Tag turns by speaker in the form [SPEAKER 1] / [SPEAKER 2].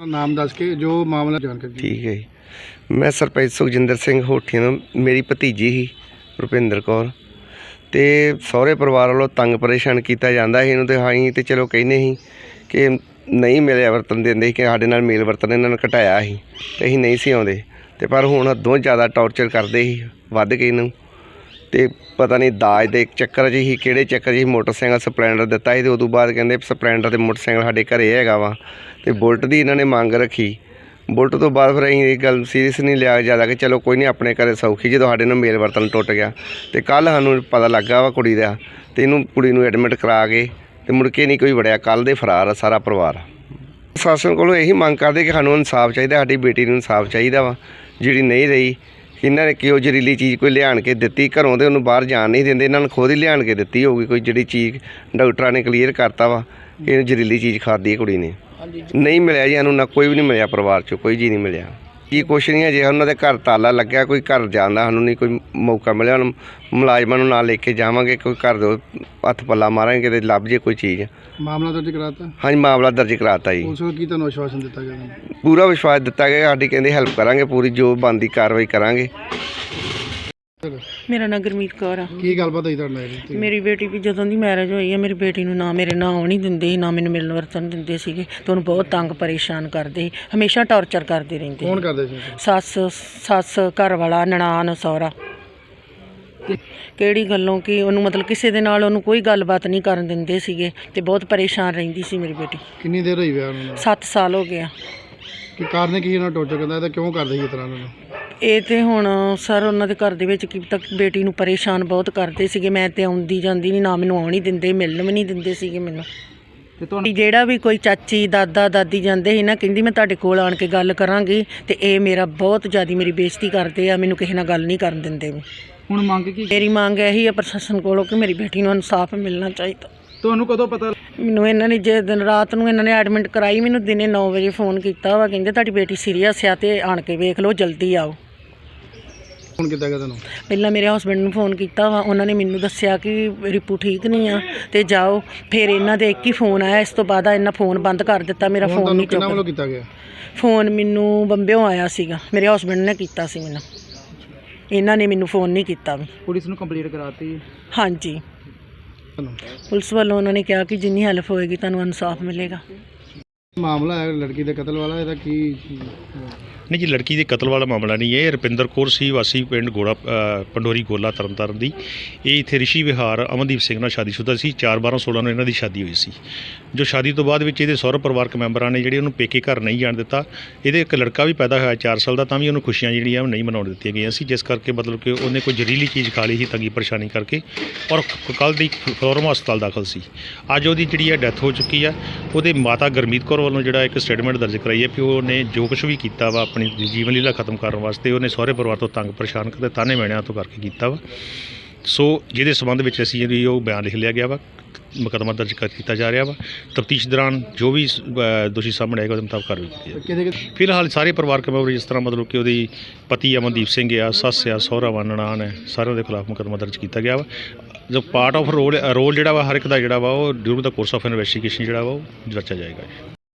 [SPEAKER 1] ਨਾਮ ਦੱਸ ਕੇ ਜੋ ਮਾਮਲਾ ਜਾਣਕਾਰੀ।
[SPEAKER 2] ਠੀਕ ਹੈ ਜੀ। ਮੈਂ ਸਰਪੰਚ ਸੁਖਜਿੰਦਰ ਸਿੰਘ ਹੋਠੀਆਂ ਤੋਂ ਮੇਰੀ ਭਤੀਜੀ ਸੀ ਰੁਪਿੰਦਰ ਕੌਰ ਤੇ ਸਹੁਰੇ ਪਰਿਵਾਰ ਵੱਲੋਂ ਤੰਗ ਪਰੇਸ਼ਾਨ ਕੀਤਾ ਜਾਂਦਾ ਸੀ ਇਹਨੂੰ ਤੇ ਅਸੀਂ ਤੇ ਚਲੋ ਕਹਿੰਦੇ ਸੀ ਕਿ ਨਹੀਂ ਮਿਲਿਆ ਵਰਤਨ ਦਿੰਦੇ ਸੀ ਕਿ ਸਾਡੇ ਨਾਲ ਮੇਲ ਵਰਤਨ ਇਹਨਾਂ ਨੇ ਘਟਾਇਆ ਸੀ ਤੇ ਅਸੀਂ ਨਹੀਂ ਸੀ ਆਉਂਦੇ ਤੇ ਪਰ ਹੁਣ ਹੱਦੋਂ ਜ਼ਿਆਦਾ ਟੌਰਚਰ ਕਰਦੇ ਸੀ ਵੱਧ ਕੇ ਇਹਨੂੰ ਤੇ ਪਤਾ ਨਹੀਂ ਦਾਜ ਦੇ ਚੱਕਰ 'ਚ ਹੀ ਕਿਹੜੇ ਚੱਕਰ 'ਚ ਹੀ ਮੋਟਰਸਾਈਕਲ ਸਪਲੈਂਡਰ ਦਿੱਤਾ ਸੀ ਤੇ ਉਦੋਂ ਬਾਅਦ ਕਹਿੰਦੇ ਸਪਲੈਂਡਰ ਤੇ ਮੋਟਰਸਾਈਕਲ ਸਾਡੇ ਘਰੇ ਹੈਗਾ ਵਾ ਤੇ ਬੁਲਟ ਦੀ ਇਹਨਾਂ ਨੇ ਮੰਗ ਰੱਖੀ। ਬੁਲਟ ਤੋਂ ਬਾਅਦ ਫਿਰ ਅਸੀਂ ਇਹ ਗੱਲ ਸੀਰੀਅਸ ਨਹੀਂ ਲਿਆ ਜ਼ਿਆਦਾ ਕਿ ਚਲੋ ਕੋਈ ਨਹੀਂ ਆਪਣੇ ਘਰੇ ਸੌਖੀ ਜਦੋਂ ਸਾਡੇ ਨਾਲ ਮੇਲ ਵਰਤਨ ਟੁੱਟ ਗਿਆ ਤੇ ਕੱਲ੍ਹ ਸਾਨੂੰ ਪਤਾ ਲੱਗਾ ਵਾ ਕੁੜੀ ਦਾ ਤੇ ਇਹਨੂੰ ਕੁੜੀ ਨੂੰ ਐਡਮਿਟ ਕਰਾ ਕੇ ਤੇ ਮੁੜ ਕੇ ਨਹੀਂ ਕੋਈ ਵੜਿਆ। ਕੱਲ੍ਹ ਦੇ ਫਰਾਰ ਆ ਸਾਰਾ ਪਰਿਵਾਰ। ਪ੍ਰਸ਼ਾਸਨ ਕੋਲੋਂ ਇਹੀ ਮੰਗ ਕਰਦੇ ਕਿ ਸਾਨੂੰ ਇਨਸਾਫ ਚਾਹੀਦਾ, ਸਾਡੀ ਬੇਟੀ ਨੂੰ ਇਨਸਾਫ ਚਾਹੀਦਾ ਵਾ ਜਿਹੜੀ ਨਹੀਂ ਰਹੀ। ਇਹਨਾਂ ਨੇ ਕਿਉਂ ਜ਼ਹਿਰੀਲੀ ਚੀਜ਼ ਕੋਈ ਲਿਆਣ ਕੇ ਦਿੱਤੀ ਘਰੋਂ ਤੇ ਉਹਨੂੰ ਬਾਹਰ ਜਾਣ ਨਹੀਂ ਦਿੰਦੇ, ਇਹਨਾਂ ਨੂੰ ਖੁਦ ਹੀ ਲਿਆਣ ਕੇ ਦਿੱਤੀ ਹੋਊਗੀ ਕੋਈ ਜਿਹੜੀ ਚੀਜ਼ ਡਾਕਟਰਾਂ ਨੇ ਕਲੀਅਰ ਕਰਤਾ ਵਾ ਕਿ ਇਹ ਜ਼ਹਿਰੀਲੀ ਚੀਜ਼ ਖਾਧੀ ਕੁੜੀ ਨੇ। ਨਹੀਂ ਮਿਲਿਆ ਜੀ ਸਾਨੂੰ, ਨਾ ਕੋਈ ਵੀ ਨਹੀਂ ਮਿਲਿਆ ਪਰਿਵਾਰ 'ਚੋਂ ਕੋਈ ਜੀ ਨਹੀਂ ਮਿਲਿਆ ਜੀ। ਕੁਛ ਨਹੀਂ ਹੈ ਜੇ ਉਹਨਾਂ ਦੇ ਘਰ ਤਾਲਾ ਲੱਗਿਆ ਕੋਈ ਘਰ ਜਾਣ ਦਾ ਸਾਨੂੰ ਨਹੀਂ ਕੋਈ ਮੌਕਾ ਮਿਲਿਆ। ਹੁਣ ਮੁਲਾਜ਼ਮਾਂ ਨੂੰ ਨਾਲ ਲੈ ਕੇ ਜਾਵਾਂਗੇ ਕੋਈ ਘਰ ਦੇ ਹੱਥ ਪੱਲਾ ਮਾਰਾਂਗੇ ਕਿਤੇ ਲੱਭ ਜੇ ਕੋਈ ਚੀਜ਼।
[SPEAKER 1] ਮਾਮਲਾ ਦਰਜ ਕਰਾਤਾ?
[SPEAKER 2] ਹਾਂਜੀ ਮਾਮਲਾ ਦਰਜ ਕਰਾਤਾ ਜੀ।
[SPEAKER 1] ਉਸ ਨੂੰ ਕੀ ਤੁਹਾਨੂੰ ਵਿਸ਼ਵਾਸ ਦਿੱਤਾ ਗਿਆ?
[SPEAKER 2] ਪੂਰਾ ਵਿਸ਼ਵਾਸ ਦਿੱਤਾ ਗਿਆ ਸਾਡੀ ਕਹਿੰਦੇ ਹੈਲਪ ਕਰਾਂਗੇ ਪੂਰੀ ਜੋ ਬਣਦੀ ਕਾਰਵਾਈ ਕਰਾਂਗੇ।
[SPEAKER 3] ਮੇਰਾ ਨਾਂ ਗੁਰਮੀਤ ਕੌਰ ਆ।
[SPEAKER 1] ਕੀ ਗੱਲਬਾਤ ਹੋਈ ਤੁਹਾਡੇ ਨਾਲ?
[SPEAKER 3] ਮੇਰੀ ਬੇਟੀ ਵੀ ਜਦੋਂ ਦੀ ਮੈਰਿਜ ਹੋਈ ਹੈ ਮੇਰੀ ਬੇਟੀ ਨੂੰ ਨਾ ਮੇਰੇ ਨਾਲ ਆਉਣ ਨਹੀਂ ਦਿੰਦੇ ਸੀ, ਨਾ ਮੈਨੂੰ ਮਿਲਣ ਵਰਤਣ ਦਿੰਦੇ ਸੀਗੇ ਤੇ ਉਹਨੂੰ ਬਹੁਤ ਤੰਗ ਪਰੇਸ਼ਾਨ ਕਰਦੇ ਸੀ, ਹਮੇਸ਼ਾ ਟੌਰਚਰ ਕਰਦੇ ਰਹਿੰਦੇ।
[SPEAKER 1] ਕੌਣ ਕਰਦੇ ਸੀ?
[SPEAKER 3] ਸੱਸ ਘਰ ਵਾਲਾ ਨਨਾਣ ਸਹੁਰਾ। ਕਿਹੜੀ ਗੱਲੋਂ ਕਿ ਉਹਨੂੰ ਮਤਲਬ ਕਿਸੇ ਦੇ ਨਾਲ ਉਹਨੂੰ ਕੋਈ ਗੱਲਬਾਤ ਨਹੀਂ ਕਰਨ ਦਿੰਦੇ ਸੀਗੇ ਤੇ ਬਹੁਤ ਪਰੇਸ਼ਾਨ ਰਹਿੰਦੀ ਸੀ ਮੇਰੀ ਬੇਟੀ।
[SPEAKER 1] ਕਿੰਨੀ ਦੇਰ ਹੋਈ ਵਿਆਹ ਨੂੰ?
[SPEAKER 3] 7 ਸਾਲ ਹੋ ਗਿਆ।
[SPEAKER 1] ਕੀ ਕਾਰਨ ਕੀ ਇਹਨਾਂ ਟੌਰਚਰ ਕਰਦਾ ਤਾਂ ਕਿਉਂ ਕਰਦੇ ਸੀ ਇਸ ਤਰ੍ਹਾਂ ਨਾਲ?
[SPEAKER 3] ਇਹ ਤੇ ਹੁਣ ਸਰ ਉਹਨਾਂ ਦੇ ਘਰ ਦੇ ਵਿੱਚ ਕੀ ਤੱਕ ਬੇਟੀ ਨੂੰ ਪਰੇਸ਼ਾਨ ਬਹੁਤ ਕਰਦੇ ਸੀਗੇ। ਮੈਂ ਤੇ ਆਉਂਦੀ ਜਾਂਦੀ ਨਹੀਂ, ਨਾ ਮੈਨੂੰ ਆਉਣ ਹੀ ਦਿੰਦੇ, ਮਿਲਣ ਵੀ ਨਹੀਂ ਦਿੰਦੇ ਸੀਗੇ ਮੈਨੂੰ। ਤੇ ਜਿਹੜਾ ਵੀ ਕੋਈ ਚਾਚੀ ਦਾਦਾ ਦਾਦੀ ਜਾਂਦੇ ਸੀ ਨਾ ਕਹਿੰਦੀ ਮੈਂ ਤੁਹਾਡੇ ਕੋਲ ਆਣ ਕੇ ਗੱਲ ਕਰਾਂਗੀ ਤੇ ਇਹ ਮੇਰਾ ਬਹੁਤ ਜ਼ਿਆਦਾ ਮੇਰੀ ਬੇਇੱਜ਼ਤੀ ਕਰਦੇ ਆ, ਮੈਨੂੰ ਕਿਸੇ ਨਾਲ ਗੱਲ ਨਹੀਂ ਕਰਨ ਦਿੰਦੇ।
[SPEAKER 1] ਹੁਣ ਮੰਗ ਕੀ?
[SPEAKER 3] ਮੇਰੀ ਮੰਗ ਇਹੀ ਆ ਪ੍ਰਸ਼ਾਸਨ ਕੋਲੋਂ ਕਿ ਮੇਰੀ ਬੇਟੀ ਨੂੰ ਇਨਸਾਫ ਮਿਲਣਾ ਚਾਹੀਦਾ।
[SPEAKER 1] ਤੁਹਾਨੂੰ ਕਦੋਂ ਪਤਾ? ਮੈਨੂੰ
[SPEAKER 3] ਇਹਨਾਂ ਨੇ ਜੇ ਦਿਨ ਰਾਤ ਨੂੰ ਇਹਨਾਂ ਨੇ ਐਡਮਿਟ ਕਰਾਈ, ਮੈਨੂੰ ਦਿਨੇ 9 ਵਜੇ ਫੋਨ ਕੀਤਾ ਵਾ, ਕਹਿੰਦੇ ਤੁਹਾਡੀ ਬੇਟੀ ਸੀਰੀਅਸ ਆ ਤੇ ਆਣ ਕੇ ਵੇਖ ਲਓ, ਜਲਦੀ ਆਓ।
[SPEAKER 1] ਫੋਨ ਕੀਤਾ ਗਿਆ ਤੁਹਾਨੂੰ?
[SPEAKER 3] ਪਹਿਲਾਂ ਮੇਰੇ ਹਸਬੈਂਡ ਨੂੰ ਫੋਨ ਕੀਤਾ ਵਾ, ਉਹਨਾਂ ਨੇ ਮੈਨੂੰ ਦੱਸਿਆ ਕਿ ਰਿਪੂ ਠੀਕ ਨਹੀਂ ਆ ਤੇ ਜਾਓ। ਫਿਰ ਇਹਨਾਂ ਦੇ ਇੱਕ ਹੀ ਫੋਨ ਆਇਆ, ਇਸ ਤੋਂ ਬਾਅਦ ਇਹਨਾਂ ਫੋਨ ਬੰਦ ਕਰ ਦਿੱਤਾ। ਮੇਰਾ ਫੋਨ ਨਹੀਂ
[SPEAKER 1] ਕਿਹਨਾਂ ਵੱਲੋਂ ਕੀਤਾ ਗਿਆ?
[SPEAKER 3] ਫੋਨ ਮੈਨੂੰ ਬੰਬਿਓਂ ਆਇਆ ਸੀਗਾ, ਮੇਰੇ ਹਸਬੈਂਡ ਨੇ ਕੀਤਾ ਸੀ ਮੈਨੂੰ, ਇਹਨਾਂ ਨੇ ਮੈਨੂੰ ਫੋਨ ਨਹੀਂ ਕੀਤਾ ਵੀ।
[SPEAKER 1] ਪੁਲਿਸ ਨੂੰ ਕੰਪਲੇਂਟ ਕਰਾਤੀ?
[SPEAKER 3] ਹਾਂਜੀ, ਪੁਲਿਸ ਵੱਲੋਂ ਉਹਨਾਂ ਨੇ ਕਿਹਾ ਕਿ ਜਿੰਨੀ ਹੈਲਪ ਹੋਏਗੀ ਤੁਹਾਨੂੰ ਇਨਸਾਫ ਮਿਲੇਗਾ।
[SPEAKER 1] ਮਾਮਲਾ ਹੈ ਲੜਕੀ ਦੇ ਕਤਲ ਵਾਲਾ, ਇਹਦਾ ਕੀ?
[SPEAKER 4] नहीं जी, लड़की के कतल वाला मामला नहीं है। रुपिंदर कौर सी वासी पिंड गोड़ा पंडोरी गोला तरनताਰਨ ਦੀ। ਇਹ ਇੱਥੇ ਰਿਸ਼ੀ ਵਿਹਾਰ ਅਮਨਦੀਪ ਸਿੰਘ ਨਾਲ ਸ਼ਾਦੀशुदा ਸੀ। 4/12/16 ਨੂੰ ਇਹਨਾਂ ਦੀ ਸ਼ਾਦੀ ਹੋਈ ਸੀ। ਜੋ ਸ਼ਾਦੀ ਤੋਂ ਬਾਅਦ ਵਿੱਚ ਇਹਦੇ ਸਹੁਰੇ ਪਰਿਵਾਰਕ ਮੈਂਬਰਾਂ ਨੇ ਜਿਹੜੇ ਉਹਨੂੰ ਪੇਕੇ ਘਰ ਨਹੀਂ ਜਾਣ ਦਿੱਤਾ। ਇਹਦੇ ਇੱਕ ਲੜਕਾ ਵੀ ਪੈਦਾ ਹੋਇਆ 4 ਸਾਲ ਦਾ, ਤਾਂ ਵੀ ਉਹਨੂੰ ਖੁਸ਼ੀਆਂ ਜਿਹੜੀਆਂ ਨਹੀਂ ਮਨਾਉਣ ਦਿੱਤੀਆਂ ਗਈਆਂ ਸੀ, ਜਿਸ ਕਰਕੇ ਮਤਲਬ ਕਿ ਉਹਨੇ ਕੋਈ ਜ਼ਹਿਰੀਲੀ ਚੀਜ਼ ਖਾ ਲਈ ਸੀ ਤੰਗੀ ਪਰੇਸ਼ਾਨੀ ਕਰਕੇ, ਔਰ ਕੱਲ੍ਹ ਦੀ ਫਲੋਰਮਾ ਹਸਪਤਾਲ ਦਾਖਲ ਸੀ। ਅੱਜ ਉਹਦੀ ਜਿਹੜੀ ਹੈ ਡੈਥ ਹੋ ਚੁੱਕੀ ਆ। ਉਹਦੇ ਮਾਤਾ ਗੁਰਮੀਤ ਕੌਰ ਵੱਲੋਂ ਜਿਹੜਾ ਇੱਕ ਸਟੇਟਮੈਂਟ ਦਰਜ ਕਰਾਈ ਹੈ ਕਿ ਉਹਨੇ ਜੋ ਕੁਛ ਵੀ ਕੀਤਾ ਵਾ ਆਪਣੀ ਜੀਵਨ ਲੀਲਾ ਖਤਮ ਕਰਨ ਵਾਸਤੇ ਉਹਨੇ ਸਹੁਰੇ ਪਰਿਵਾਰ ਤੋਂ ਤੰਗ ਪਰੇਸ਼ਾਨ ਕਰਦੇ ਤਾਨੇ ਮਿਹਣਿਆਂ ਤੋਂ ਕਰਕੇ ਕੀਤਾ ਵਾ। ਸੋ ਜਿਹਦੇ ਸੰਬੰਧ ਵਿੱਚ ਅਸੀਂ ਜਿਹੜੀ ਉਹ ਬਿਆਨ ਲਿਖ ਲਿਆ ਗਿਆ ਵਾ, ਮੁਕੱਦਮਾ ਦਰਜ ਕੀਤਾ ਜਾ ਰਿਹਾ ਵਾ। ਤਫਤੀਸ਼ ਦੌਰਾਨ ਜੋ ਵੀ ਦੋਸ਼ੀ ਸਾਹਮਣੇ ਆਏਗਾ ਉਹਦੇ ਮੁਤਾਬਕ ਕਾਰਵਾਈ ਕੀਤੀ ਜਾਏਗੀ। ਫਿਲਹਾਲ ਸਾਰੇ ਪਰਿਵਾਰਕ ਮੈਂਬਰ ਜਿਸ ਤਰ੍ਹਾਂ ਮਤਲਬ ਕਿ ਉਹਦੀ ਪਤੀ ਅਮਨਦੀਪ ਸਿੰਘ ਆ, ਸੱਸ ਆ, ਸਹੁਰਾ ਵਾ, ਨਨਾਣ ਹੈ, ਸਾਰਿਆਂ ਦੇ ਖਿਲਾਫ ਮੁਕੱਦਮਾ ਦਰਜ ਕੀਤਾ ਗਿਆ ਵਾ। ਜੋ ਪਾਰਟ ਆਫ ਰੋਲ ਜਿਹੜਾ ਵਾ ਹਰ ਇੱਕ ਦਾ ਜਿਹੜਾ ਵਾ ਉਹ ਡਿਊਰਿੰਗ ਦਾ ਕੋਰਸ ਆਫ ਇਨਵੈਸਟੀਗੇਸ਼ਨ ਜਿਹੜਾ ਵਾ ਉਹ ਜਾਂਚਿਆ ਜਾਏਗਾ।